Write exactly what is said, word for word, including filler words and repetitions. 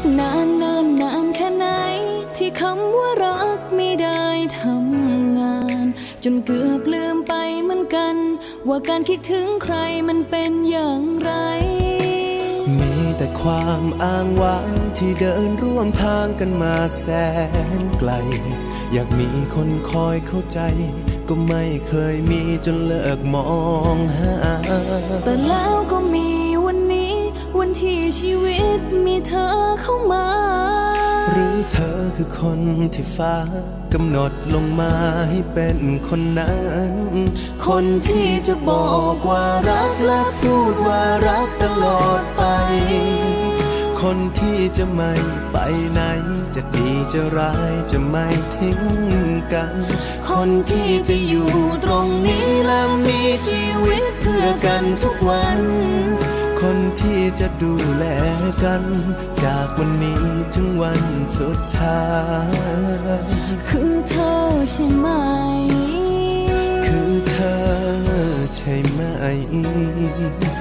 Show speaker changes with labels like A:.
A: นานนานนานแค่ไหนที่คำว่ารักไม่ได้ทำงานจนเกือบลืมไปเหมือนกันว่าการคิดถึงใครมันเป็นอย่างไร
B: มีแต่ความอ้างว้างที่เดินร่วมทางกันมาแสนไกลอยากมีคนคอยเข้าใจก็ไม่เคยมีจนเลิกมองหา
A: แต่แล้วก็มีวันนี้วันที่ชีวิตมีเธอเข้ามา
B: หรือเธอคือคนที่ฟ้ากำหนดลงมาให้เป็นคนนั้นคนที่จะบอกว่ารักและพูดว่ารักตลอดไปคนที่จะไม่ไปไหนจะดีจะร้ายจะไม่ทิ้งกันคนที่จะอยู่ตรงนี้และมีชีวิตเพื่อกันทุกวันคนที่จะดูแลกันจากวันนี้ถึงวันสุดท้าย
A: คือเธอใช่ไหม
B: คือเธอใช่ไหม